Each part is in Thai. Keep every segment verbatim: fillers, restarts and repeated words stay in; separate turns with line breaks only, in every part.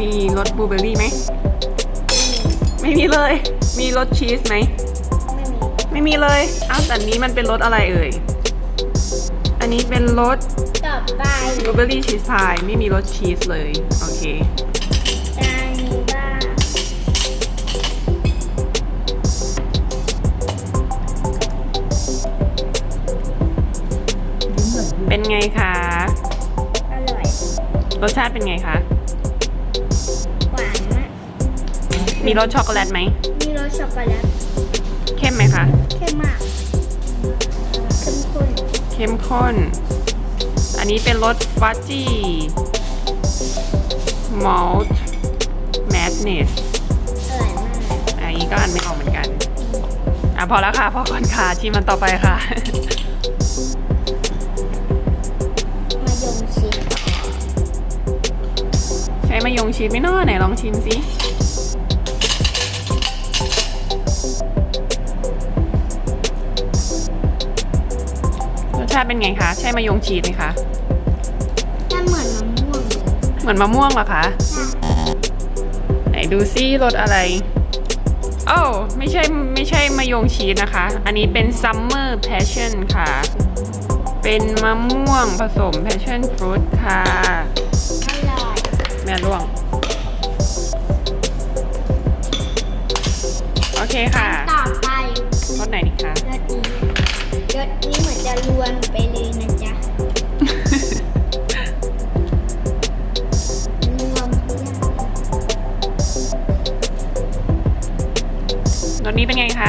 มีรสบลูเบอร์รี่ไหมไม่มีเลยมีรสชีสไหมไม่มีเลยอ้าวแต่นี้มันเป็นรสอะไรเอ่ยอันนี้เป็นรส
ต่อไป
บลูเบอร์รี่ชีสพายไม่มีรสชีสเลยโอเค
จานนี้บ้าง
เป็นไงคะ
อร่อย
รสชาติเป็นไงคะ
หวานมาก
มีรสช็อกโกแลตไหม
มีรสช็อกโกแลต
เข้มไหมคะ
เข้มมากเข้มข้น
เข้มข้นอันนี้เป็นรสฟัจจี้มอลต์แมดเนส
อร่อยมาก
อันนี้ก็อ่านไม่ออกเหมือนกันอ่ะพอแล้วค่ะพอก่อนค่ะชิมมันต่อไปค่ะ
มายงชิด
ใช้มายงชีสไหม่น้อไหนลองชิมสิรสชาติเป็นไงคะใช่มายงชีสไหมคะ
ถ้าเหมือนมะม่วงเลย
เหมือนมะม่วงเหรอคะไหนดูซิรสอะไรโอ้ไม่ใช่ไม่ใช่มายงชีสนะคะ อันนี้เป็น Summer Passion ค่ะ เป็นมะม่วงผสม Passion Fruit ค่ะ
อร่อย
แม่ล่วงโอเคค่ะ
ต่อไป
รสไหนดีคะ
รสนี้รสนี้เหมือนจะรวนไปเลยนะจ๊ะรวมทุกอย่าง
รสนี้เป็นไงคะ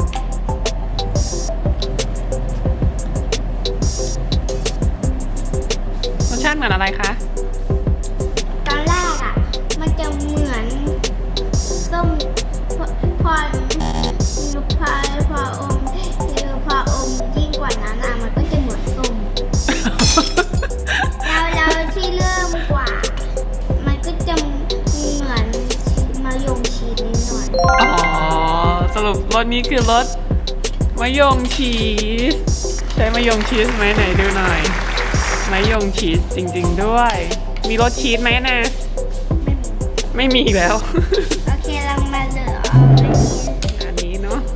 รสชาติเหมือนอะไรคะ
ตอนแรกอ่ะ มันจะเหมือนส้มพอพอพอพออมคือพออมยิ่งกว่านั้นอ่ะมันก็จะเหมือนส้ม แล้วแล้วที่เริ่มกว่า มันก็จะเหมือนมายงชีสนิดหน่อย
อ๋อสรุปรสนี้คือรสมะยงชีสใช้มะยงชีสไหมไหนดูหน่อยมะยงชีสจริงๆด้วยมีรสชีสไหมนะ
ไม่มี
ไม่มีอีกแล้ว
โอเคเรามาเหลือเอาอันนี้
อันนี้เนาะ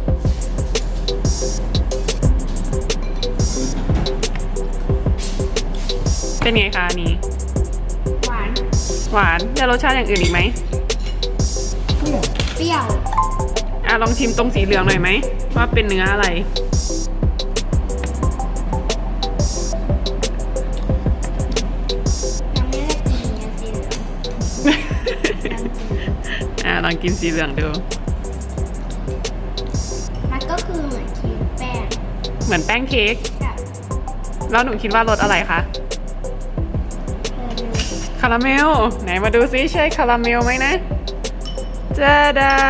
เป็นไงคะอันนี้
หวาน
หวานแล้วรสชาติอย่างอื่นอีกไหม
เปรี้ยว
อ่ะลองชิมตรงสีเหลืองหน่อยไหมว่าเป็นเนื้ออะไร
ยังไม่ได้กินเนี่ยสีเหลือง
อ่ะลองกินสีเหลืองดู
มันก็คือเหมือนชีสแป้ง
เหมือนแป้งเค้ก
กับ
แล้วหนูคิดว่ารสอะไรคะ
เออ
คาราเมลไหนมาดูซิใช่คาราเมลไหมนะจ้าดา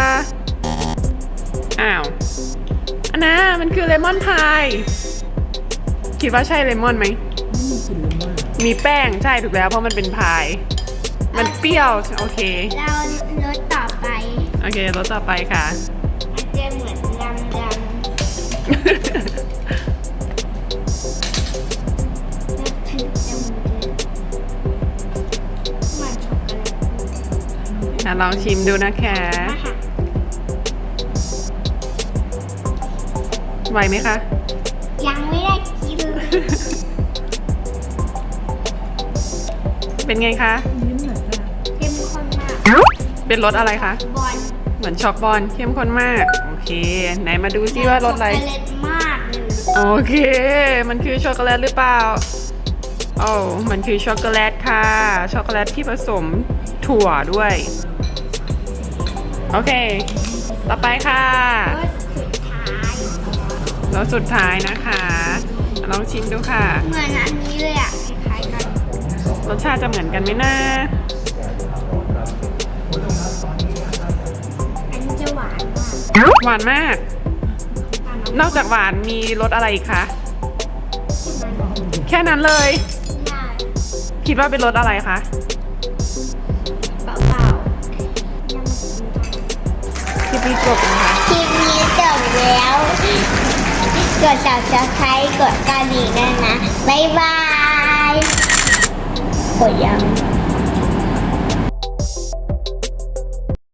อ้าวอันน่ะมันคือเลมอนพายคิดว่าใช่เลมอนไหมมีแป้งใช่ถูกแล้วเพราะมันเป็นพายมันเปรี้ยวโอเค
เรารสต่อไป
โอเครสต่อไปค่ะ
มันจะเหมือนดำดำแล้วถึงจะเหมือนเหมือนช็อกโกแลต
อ่ะลองชิมดูนะคะ
มาค่ะ
ไหวไหมคะ
ยังไม่ได้กินเลย
เป็นไงคะ
เข้มข้นมาก
เป็นรสอะไรคะ
บอล
เหมือนช็อกบอลเข้มข้นมากโอเคไหนมาดูซิว่ารสอะไร
ช็อกโกแลตมากเลย
โอเค มันคือช็อกโกแลตหรือเปล่า โอ้ มันคือช็อกโกแลตค่ะ ช็อกโกแลตที่ผสมถั่วด้วย โอเค ต่อไปค่ะ
รสสุดท้าย
รสสุดท้ายนะคะ ลองชิมดูค่ะ
เหมือนอันนี้เลยอ่ะคล้ายๆกัน
รสชาติจะเหมือนกันไหมนะ
อันนี้จะหวานมาก
หวานมาก
หวาน
นอกจากหวานมีรสอะไรอีกคะ
มัน
แค่นั้นเลย
ได้
คิดว่าเป็นรสอะไรคะ
เปล่าๆยังไม่กิน
คลิปนี้จบนะคะ
คลิปนี้จบแล้ว กด subscribe กดกระดิ่งด้วยนะ บ๊ายบาย กดยัง